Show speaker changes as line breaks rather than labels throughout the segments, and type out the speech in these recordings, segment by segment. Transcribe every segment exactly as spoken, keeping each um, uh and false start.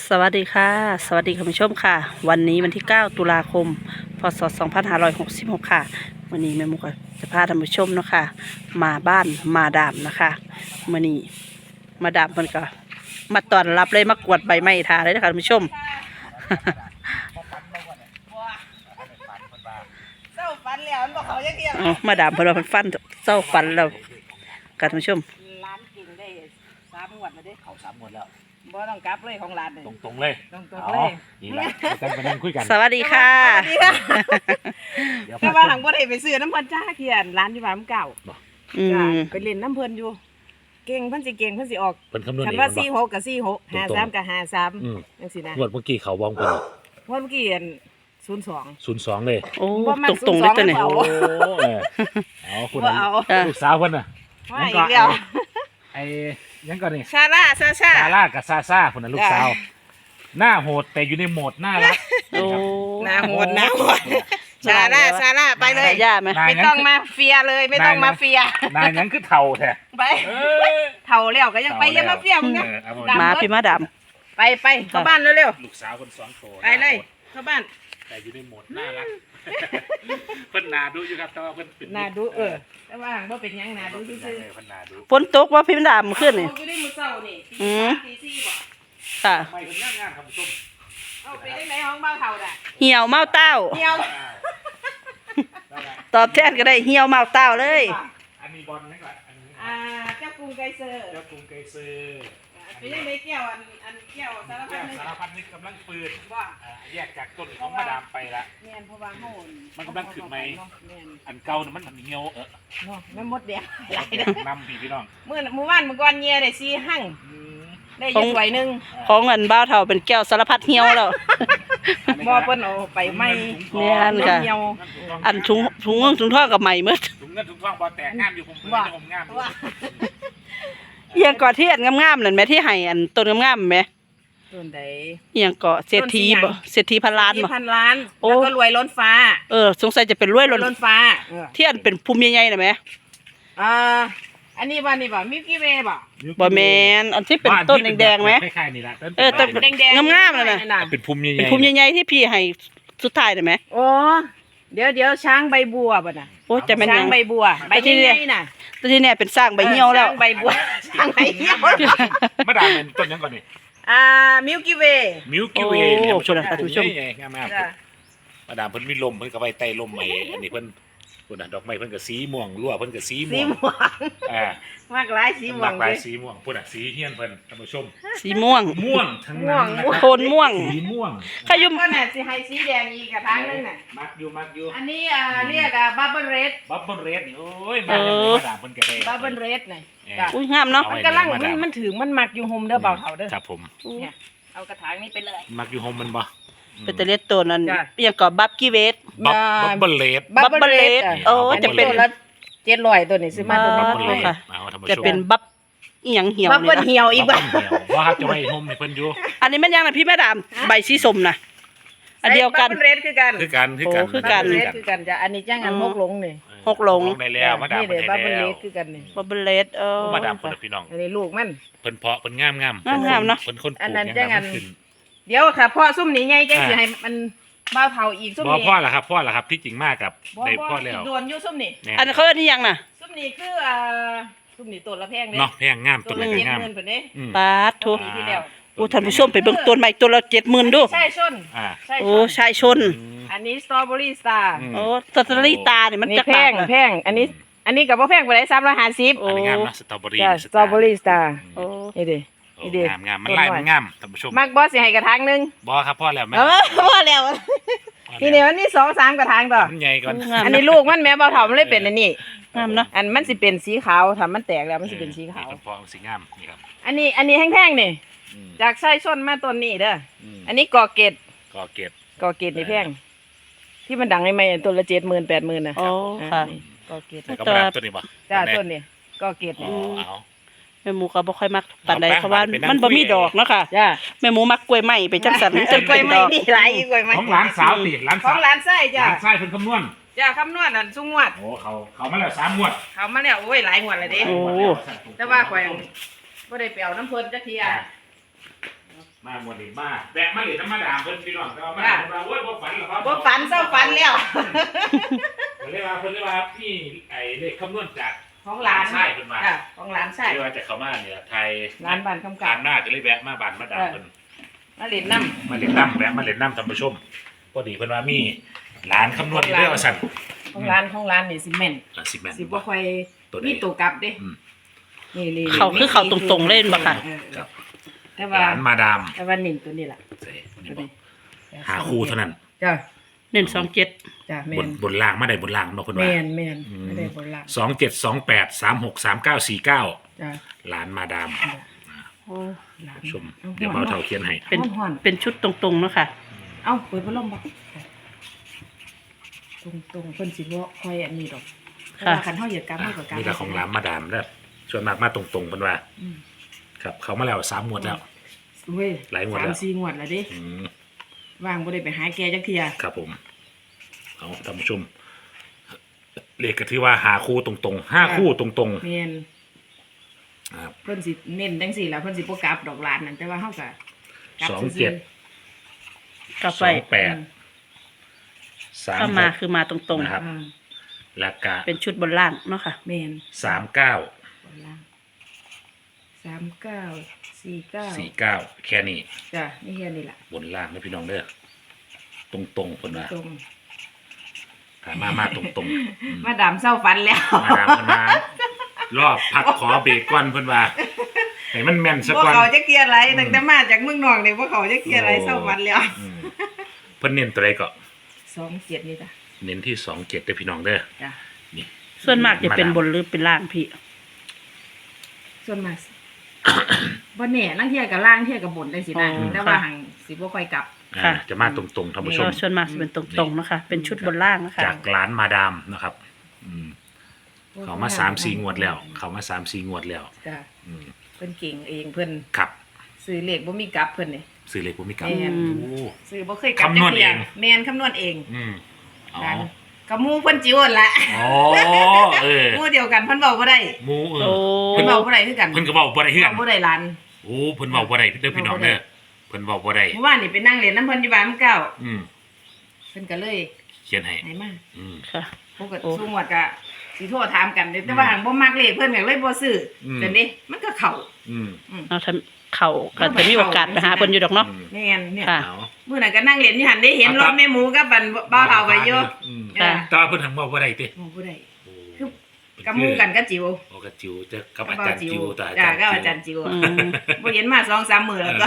สวัสดีค่ะสวัสดีคุณผู้ชมค่ะวันนี้วันที่เก้าตุลาคมพศสองพันห้าร้อยหกสิบหกค่ะวันนี้แม่มุกจะพาท่านผู้ชมเนาะค่ะมาบ้านมาดามนะคะวันนี้มาดามมันก็มาต้อนรับเลยมากวดใบไม้ทาเลยนะคะท่านผู้ชม
เศร้าฟันแล้วมันบอกเขาจะเกี่ยว
อ๋อมาดามเพนว่าเพิ่นฟันเศร้าฟันแล้วค่ะท่านผู้ชม
ร้านกินได้สามงวดมาได้
เขาสามหมดแล้ว
บ่ต้องกลับเลยของร้านเลย
ตรงๆเลย
ตรงตรง
อ๋
เล
อย นี่แหละจะไปนั่งคุยกัน
สวัสดีค่ะ
สวัสดีค่ะ
เดี๋ยว
แต่ว่าหังบ่ได้ไปซื้อน้ำเพิ่นจ้าเขียนร้านอยู่บ้านเก่า
อื
จ้าม ไปเล่นน้ำเพิ่นอยู่ เก่งเพิ่นสิเก่งเพิ่นสิออก
เป็นคำนวณ
คัน
เอง
ว่า
มัน
สี่
บ
ห
อก
กกับสี่หกห้าสามกับห้าสาม
อืม
จังซี่นะ
งวดเมื่อกี้เขาวองคน
เมื่อกี้อันศูนย์สอง
ศูนย์สองเลย
โอ้
บ่มัก
ตรงๆเลยตัวนี้
ศู
โอ้
นย์สอง
เออเอาคุณ
บ่เอา
อ่ะ
ลูกสาวคนน่ะ
ว่าอีกแล้ว
ไอ้ยังก่อนนี่
ชาล่าซาชา
ซาร่ากับซาซ่าคนน่ะลูกสาว หน้าโหดแต่อยู่ในโหมดน่ารัก
โอ้
หน้าโหดหน้าโหดชาล่าชาล่าไปเลย
สายย่าไหม
ไม่ต้องมาเฟียเลยไม่ต้องมาเฟีย
นายยังคือเท่าแท้
ไป
เออ
เท่าแล้วก็ยังไปยังมาเฟียมึงนะ
เออเอา
ดำ
มาพี่มาดาม
ไปไปเข้าบ้านเร็ว
ลูกสาวคนสองโต
ๆไปเลยเข้าบ้าน
แต่อยู่ในโหมดน่ารักเพิ่นนาดูอยู่ครับแต่ว่าเพิ่นปิด
นาดูเออแต่ว่าบ่เป็นหยังนาดูซื่อ
เพิ่นนาดู
ฝนตกว่าพี่มาดามขึ้น
ๆ
นี่
เอาไปได้มื้อเช้านี่
อื
ตี
ม
สามตีสี่บ่
ค่ะ
ไม่เพิ่นงานงานครับผู้ชม
เอาไปได้ไหนห้องเบ้าเฒ่าน่ะ
เหี่ยวเมาเต้า
เหี่ยว
ตอบแทนก็ได้เหี่ยวเมาเต้าเลย
อันนี้บอลนี่ก่อนอันนี้
อ่าเจ้ากรุงไกรเซอร์
เจ้ากรุงไกรเซอร์
ไปได้ไหนแก้วอันอันแก้วสารพั
แก้
ด
ว
นึง
สารพัดนึกกำลังปืน
ว่า
อ่าแยกจากต้นของมาดามไปละ
แม่นเพราะว่าเฮา
มันกำลังขึ้นไหม
แม่น
อันเก่าน่ะมันเหี่ยวเออ
เนาะแม่มดแดงหลายเด้อน
ำพี่พี่น้อง
มื้อมื้อวานมื้อก่อนเงียได้สี่หั่ง
อืม
ได้อยู่ถ้วยหนึง
ของเงินบ้าวเท่าเป็นแก้วสารพัดเหี่ยวแล้ว
บ่เพิ่นเอาไปไหม่
แม่นค่ะ
เหี่ยว
อันถุงถุงเงินถุงทองกับใหม่เมื่อ
ถุงเงินถุงทองบอแตกงามอยู่ผมเพิ่ง
ว่า
จะผมงามอยู่
ว่า
เอียงเกาะที่อันงามๆนั่นแหม่ที่ให้อันต้นงามๆแหม่
ต้นใด
เอียงเกาะเศรษฐีบ่เศรษฐีพันล้าน
สี่
บ่
พันล้าน
โอ้
แล้วก็รวยล้นฟ้า
เออสงสัยจะเป็นรวย
ร
ล้
วย
น
ล้นฟ้าเออ
ที่อันเป็นภูมิใหญ่ๆน่ะแหม่
อ่าอันนี้บ่นี่บ่มิลกี้เวย์บ่
บ่แม่นอันที่เป็นต้นแดงๆไหม
คล้ายๆนี่ละ
เออต้น
แดงๆ
งามๆนั่นน่ะ
เป็นภูมิใหญ่ๆ
เป็นภูมิใหญ่ๆที่พี่ให้สุดท้ายน่ะแหม่
โอ้เดี๋ยวเดี๋ยวช้างใบบัวบ่น่ะ
โอ้จะแม่นห
ช้า
ยัง ง
ใบบัวใบ
ที่
ที่
เนี่
นี่
ย
น่ะ
แต่ที่เนี่ยเป็นสร้างใบเหี่ยวแล้ว
ช้างใบบัวช้างใบเหี่ยว
มาดามเป็นต้นยังก่อนนี่
อ่ามิลกี้เวย์
มิลกี้เวย์
โอ้
เนี่ย
คุณนะครับท่านผู้ชม
ใหญ่ๆงามๆ
จ้ะ
มาดามเพิ่นมีลมเพิ่นก็ไปไต่ลมใหม่อันนี้เพิ่นพุ่นน่ะดอกไม้เพิ่นก็สีม่วงรั่วเพิ่นก็สี
สี
ม่วง
ม่วง
อ่าม
ากหลายสีม่ว
หลาง กหลาย
เด้
สีม่วงพุ่นน่ะสีเฮียนเพิ่นท่านผู้ชม
สีม่วง
ม่วงทั้งนั้นนะ
ม่วง
โทนม่วง
สีม่วง
ขยุม
ก็น่ะสิให้สีแดงอีกกระถางนึงน่ะ
มักอยู่มักอยู่
อันนี้อ่าเรียกอ่าบับเบิ้ลเรด
บับเบิ้ลเรดนี่โอ้ยมาแล้วมาดามเพิ่นก็ได้
บับเบิ้ลเรดน่ะ
เออ
จ้ะ
อุ้ยงามเนาะ
เอาไว้
มันกำลัง
มา
มัน
ดาม
มันถึงมันมักอยู่โฮมเด้อเบาเฒ่าเด้อ
ครับผม
เนี่ยเอากระถางนี้ไปเลย
มักอยู่โฮมมันบ่
เป็นตะเลียดตัวนั้น
จ้ะ
เอียงเกาะบับกี้เวส
บับบับเบิ้ลเรด
บับเบิ้ลเรด
อ่ะ
โอ้จะเป็น
ตัวละเจ็ดร้อยตัวนี้ซื้อมาตัว
บั
นี้
บ
บับ
เบิ้
เบิ้
ล
ล
เร
เร
ด
ดเอาท่านผู้ช
จะ
ม
เป็นบับอีหยังเหี่ยว
บับ
นี่
เบิ้ล
นะ
เหี่ยวอีก
บั
บ่
บเบิ้ลเหี่ยวว่าครับจะไว้โฮมให้เพิ่นอยู่
อันนี้มันยังนะพี่แม่ดามใบสีส้มนะอันเดียวกัน
บับเบิ้ลเรดคือกัน
คือกันคือกัน
โอ้คือกัน
บับเบิ้ลเรดคือกันจ้ะอันนี้จ้างอัน
อืม
หกหลงนี่
หกหลง
ได้แล้วมาดาม
นี่
เพิ่
เด้
น
บับ
ได้
เบิ้ลเร
แล้ว
ดคือกันนี่
บับเบิ้ลเรดเออ
มาดามเพิ่นพี่น้อง
อันนี้ลูกมัน
เพิ่นเพาะเพิ่นงามงาม
งามๆเนาะ
เพิ่นคนป
อั
ลู
น
ก
นั้น
ยัง
จ้างอัน
งามขึ้น
เดี๋ยวค่ะพ่อซุ่มนี้ใหญ่จังสิให้มันเบาเฒ่าอีกซุ่ม
บ่
นี้
พ่อล่ะครับพ่อล่ะครับที่จริงมากกับ
บ่
ได้
บ่
พ่อแล้ว
โดนอยู่ซุ่มนี้
เนี่ย
อันนนเขาเรียกนี่ยังน่ะ
ซุ่มนี้คืออ่าซุ่มนี้ตัวละแพงเด้
เนาะแพงงาม
ตั
ตัว ว
ละ
ไหน
เจ็ด
งาม
หมื่นเพิ่นเด้
อืม
ปาดทุ
ปีที่แล้ว
โอ้ท่านผู้ชมไปเบิ่งต้นใหม่ตัวละเจ็ดหมื่นดู
ใช่ชน
อ่า
ใช่
โอ้
ชน
ชายชน
อืม
อันนี้สตรอเบอรี่สตาร์
อืม
โอ้สตรอเบอรี่ตาเนี่ยมัน
นี่
จะ
แพงแพงอันนี้ อันนี้ก็บ่แพงปานใดสามร้อยห้าสิบ
โอ้
อันนี้งามนะสตรอเบอรี่
จ้ะสตรอเบอรี่สตาร์
โอ้
นี่เด้
โอ้
นี่เด้
งามงามมันลายมันงามท่านผู้ชม
มักบ่สิให้กระถางหนึง
บ่ครับพ่อแล้วแม่
เออพอแล้วนี่เนี่ยอันนี้สองสามกระถางต่อ
มันใหญ่ก่อน
งาม
อันนี้ลูกมันแม่เบาเฒ่ามันเลยเป็นอันนี้
งามเนาะ
อันมันสิเป็นสีขาวถ้ามันแตกแล้วมันสิเป็นสีขาว
นี่พ่อสีงามนี่ครับ
อันนี้อันนี้แห้งๆนี่
อืม
จากไส้ส้นมาต้นนี้เด้อ
อืม
อันนี้กอเกต
ก็เก็บ
กอเกตนี่แพงที่มันดังใหม่ๆต้นละเจ็ดหมื่นแปดหมื่นนะ
โอ้ค่ะ
นี่กอเกต
แล้วก็มาดามตัวนี้บ่
จ้า
ไห
ต้นนี้กอเกต
อ๋
นี่
อเอา
แม่หมูก็บ่ค่อยมักปานใด
เอาไป
เพราะว่า
ไปนั่ง
มันบ่
คุย
มีดอกเนาะค่ะ
จ้า
แม่หมูมักกล้วยไม้ไปจังสันจน
ก
เป็
ล้วย
น
ไม้
ดอก
นี่หลายอีกกล้วยไม้
ของหลานสาวติหลาน
ข
สา
อ
ว
งร้านไส้
ห
จ้า
ลานชายเพิ่นคำนวณ
จ้าคำนวณอันสุงวด
โอ้เขาเขามาแล้วสามงวด
เขามาแล้วโอ้ยหลายงวดเลยเด้
โอ้
แต่ว่าข่อยบ่ได้ไปเอาน้ำเพิ่นจักเทีย
มาหมดนี่มาแวะมาเหรียญน้ำมาดามเพิ่นพี่น้องแต่ว่ามาดามเราโอ้ยบ่ฝันหรอกครับ
บ่ฝันเศร้าฝันแล้ว
เพิ่นเรียกว่าเพิ่นเรียกว่าพี่ไอ้เลขคำนวณจาก
ของหลาน
ใช่เพิ่นมา
จ้ะของหลานใช่
เรียกว่าจากเขามาเนี่ยไทย
หลานบ้านคำกา
การ รหน้าก็เลยแวะมาบ้านมาดามเพิ่น
มาเล่นน้ำ
มาเล่นน้ำแวะมาเล่นน้ำท่านผู้ชมพอดีเพิ่นว่ามีหลานคำนวณอยู่เด้อว่าซั่น
ของหลานของหลานนี่สิแม่น
อ่ะสิแม่น
สิบ่ค่อย
ตัวใด
มีตัวกลับเด้
อืม
นี่นี่
เขาคือเขาตรงๆเล่นบ่ค่ะ
เออ
ครับ
แต่
ห
ว่า
ลานมาดาม
แต่ว่านิ่ตัวนี้ล่ะ
ใส่นี่
ตัว
บ่
นี้
หาคู่เท่านั้น
จ้ะ
เน้นสองเจ็ด
จ้ะแม่
บน
น
บนล่างมาได้บนล่างเนาะเพิ่นว่า
แม่นแม่น
อืม
ไม่ได้บนหลัง
สองเจ็ดสองแปดสามหกสามเก้าสี่เก้า
จ้ะ
หลานมาดาม
โอ้
หลาน
ชมเดี๋ยวเบาเท่าเขียนให้
เป็น
ฮ้อน
เป็นชุดตรงๆเนาะค่ะ
ๆเอ้าเปิดพัดลมบ่ตรงตรงๆเพิ่นสิบ่ค่อยอันนี้ดอกเพราะว่าคันเฮาเหยียดกรรมเฮาก็กรรม
นี่ก็ของหลานมาดามแล้วส่วนมากมาตรงๆเพิ่นว่า
อืม
ครับเขามาแล้วสามงวดแล้ว
เว้ย
หลายงวดแล้ว
สามสี่งวดแล้วเด้
อืม
ว่างบ่ได้ไปหาแกจักเที่ย
ครับผมเอาท่านผู้ชมเลขก็ถือว่าหาคู่ตรงๆห้าคู่ตรง
แม่น
ๆครับ
เพิ่นสิเน้นจังซี่ล่ะเพิ่นสิบ่กลับดอกหลานนั่นแต่ว่าเฮาก็กลับ
สอง
ซื่ๆ
เจ็ด
กลับ
ส
ไป
องแปด
อืม
สาม
ถ้า
ห
มาก คือมาตรง
นะครับ
อ่า
แล้วก็
ๆ เป็นชุดบนล่างเนาะค่ะ
แม่น
สามเก้า
บนล่างสามเก้าสี่เก้า
สี่เก้าแค่นี้
จ้ะนี่แค่นี้ล่ะ
บนล่างนะพี่น้องเด้อตรงๆคนว่า
ตรง
ถามมามาตรงๆอืม
มาดามเศร้าฝันแล้ว
มาดามเพิ่นมารอบพักขอเบรกก่อนเพิ่นว่าให้มันแม่นสัก
บ่
ก่อน
เขาจะเกลียดอะไร
อืม
ตั้งแต่มาจากเมืองนอกนี่บ่เขาจะเกลียดอะไรเศร้าฝันแล้ว
อืมเพิ่นเน้นตัวใดก็
สองเจ็ดนี่จ้ะ
เน้นที่สองเจ็ดเด้อพี่น้องเด้อ
จ้ะ
นี่
ส่วนมากจะเป็น
มาดาม
บนหรือเป็นล่างพี่
ส่วนมาก บ่แน่ลางเที่ยก็ล่างเที่ยก็บนจังซี่นะ
อ๋อ
แต่ว่า
ค่ะ
หังสิบ่ค่อยกลับ
อ่า
ค่ะ
จะมาตรงๆท่านผู้ชม
ก็ส่วนมากจะเป็นตรงๆเนาะคะเป็นชุดบนล่างนะคะ
จากร้านมาดามนะครับ อืมเขามาสามสี่งวดแล้ว เขามาสามสี่งวดแล้ว
จ้ะ
อืม
เพิ่นเก่งเองเพิ่น
ครับ
ซื้อเลขบ่มีกลับเพิ่นนี่
ซื้อเลขบ่มีกลับ
แม่น
โอ้
ซื้อบ่เคยกลับ
คำนวณ
จักที่ย
เอง
แม่นคำนวณเอง
อืมอ๋อ
นั่นก็หมู่เพิ่นจิ๋วนั่นล่ะ
อ๋อเออ
หมู่เดียวกันเพิ่นเว้าบ่ได้
หมูเอ
โอ้
อ
เพิ่นเว้าบ่ได้คือกัน
เพิ่นก็เว้าบ่ได้คือกั
เว้าน บ่ได้หลาน
โอ้เพิ่นเว้าบ่ได้เด้อพี่น้องเด้อเพิ่นเว้าบ่ได้
เมื่อวานนี่ไปนั่งเล่นน้ำเพิ่นอยู่บ้านมื้อเก้า
อืม
เพิ่นก็เลย
เขียนให้
ให้มา
อืม
ค่ะ
ปก
โอ้
ติซุงวดก็สิโทรถามกันเด้แต่ว่าหังบ่มักเลขเพิ่นก็เลยบ่ซื้ออ
ม
จังนี้มันก็เข้า
อืม
เอาทำเข่าก็จะมีโอกาสไปหาเพิ่นอยู่ดอกเนาะ
อืม
แม่นเนี่ย
ค่ะ
เอา
มื้อนั้นก็นั่งเล่นอยู่หั่นได้เห็นรถแม่หมูกับบันบ่าวเฒ่าไว้อยู่
อืม
ค่ะ
แต่ว่าเพิ่นทำเว้าบ่ได้ติ
บ่บ่ได้
โอ้
คือ กับหมู่กันก็จิ๋ว
โอ้กับจิ๋วเจอกับอาจารย์จิ๋วแต่อา
จ้า
จารย์
ก็
จิ๋ว
อาจารย์จิ๋ว
อืม
บ่เห็นมา สองสาม มื้อแล้วก็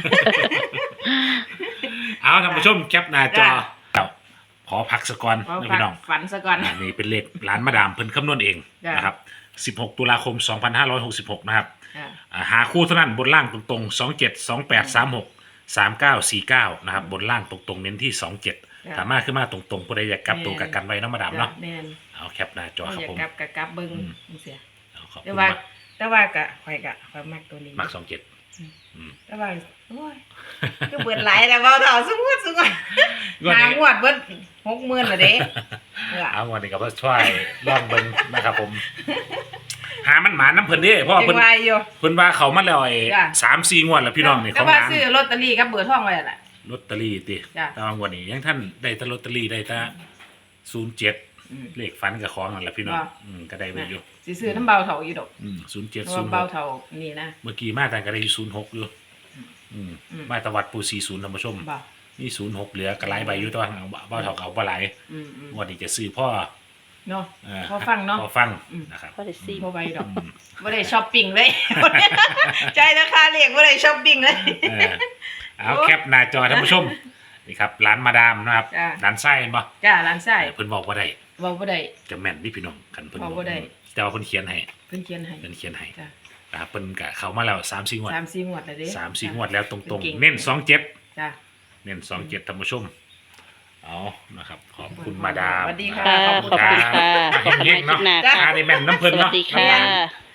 เอาท่านผู้ชมแคปหน้าจอ
จ้ะ
ครับขอพักสักก่อน
เอา
นะ
ฝาก
พี่น้อง
ฝันซะก่อน
อ่านี่เป็นเลขร้านมาดามเพิ่นคำนวณเอง
จ้ะ
นะครับสิบหกตุลาคมสองพันห้าร้อยหกสิบหกนะครับ
จ้ะ
อ่าหาคู่เท่านั้นบนล่างตรงๆสองเจ็ดสองแปดสามหกสามเก้าสี่เก้านะครับบนล่างตรงๆเน้นที่สองเจ็ด
จ้ะ
สามารถขึ้นมาตรงๆผู้ใดอยากกลับตัวกับกันไว้เน้องมาดามเนาะ
จ้ะแม่น
เอาแคปหน้าจอครับ
อยาก
ผม
กลับก็กลับเบิ่ง
อืม
จังซี่
เอาขอบ
แต่
คุณ
ว่า
มาก
แต่ว่าก็ข่อยก็ข่อยมักตัวนี้
มักสองเจ็ด
แต่ว่าโอ้ยก็เบิดหลายแล้วเว้าเท่าสมมุติสมมุติ
งวด
หา
นี้
งวดเบิดหกหมื่นละเด้เออ
เอาวันนี้ก็ช่วยลองเบิ่งนะครับผม หามันหมาน้ำเพิ่นเด้เพราะว่า
จั
เพิ่น
งว่าอยู่
เพิ่นว่าเขามาแล้วไอ้
จ้ะ
สามสี่งวดแล้วพี่น้องนี่
แต่
ของ
ว่า
ร้าน
ซื้อลอตเตอรี่กับเบอร์ทองไว้ล่ะ
ลอตเตอรี่ติ
จ้ะ
แต่ว่างวดนี้ยังท่านได้แต่ลอตเตอรี่ได้แต่ศูนย์เจ็ด
อืม
เลขฝันกับของนั่นแหละพี่น้อง
ว่า
อืมก็ได้ไปอยู่
สิซื้อน้ำเบาเท่าอยู่ดอก
อืมศูนย์เจ็ด
เพราะ
ศู
ว่าน
ย์ห
เบาก เท่านี่นะ
เมื่อกี้มาแต่ก็ได้ศูนย์หกอยู่อืม
อืม
มาตะวัดปูสี่ศูนย์ท่านผู้ชม
บ่
นี่ศูนย์หกเหลือกระไรใบอยู่แตัวาเอาเบ้าเท่าเอาบ่หลาย
อืมอืม
งวดนี้จะซื้อพ่อ
เนาะ
เอ่อ
พอฟังเนาะ
พอฟัง
อืม
นะครับ
พอได้ซี
บ่ไหวดอก
อืม
บ่ได้ช้อปปิ้งเลย ใจราคาเลขบ่ได้ช้อปปิ้งเลย
เออเอาแคปหน้าจอท่านผู้ชมนี่ครับร้านมาดามนะครับ
จ้ะ
ร้านไส้เห็นปะ
จ้าร้านไส้
เพิ่นบอกว่าได้
เว้าบ่ได้
จะแม่นนี่พี่น้องกันเพิ่น
บอกบ่ได้
แต่ว่าเพิ่นเขียนให้
เพิ่นเขียนให้
เพิ่นเขียนให้
จ้ะ
นะครับเพิ่นกะเข้ามาแล้วสามสี่งวด
สามสี่งวดแล้วเด้
สามสี่งวดแล้วตรง
เก่ง
ๆ เน้นสองเจ็ด
จ้ะ
เน้นสองเจ็ดท่านผู้ชมเอานะครับขอบคุณมาดาม
สวัสดีค่ะ
ค่ะขอบคุณค่ะขอบคุณ
เฮงๆ
คลิ
เนาะ
ปหน้า
จ้ะ
ค่ะ
อ่าในแม่นน้ำเพิ่น
สวั
เนาะ
สดีค่ะ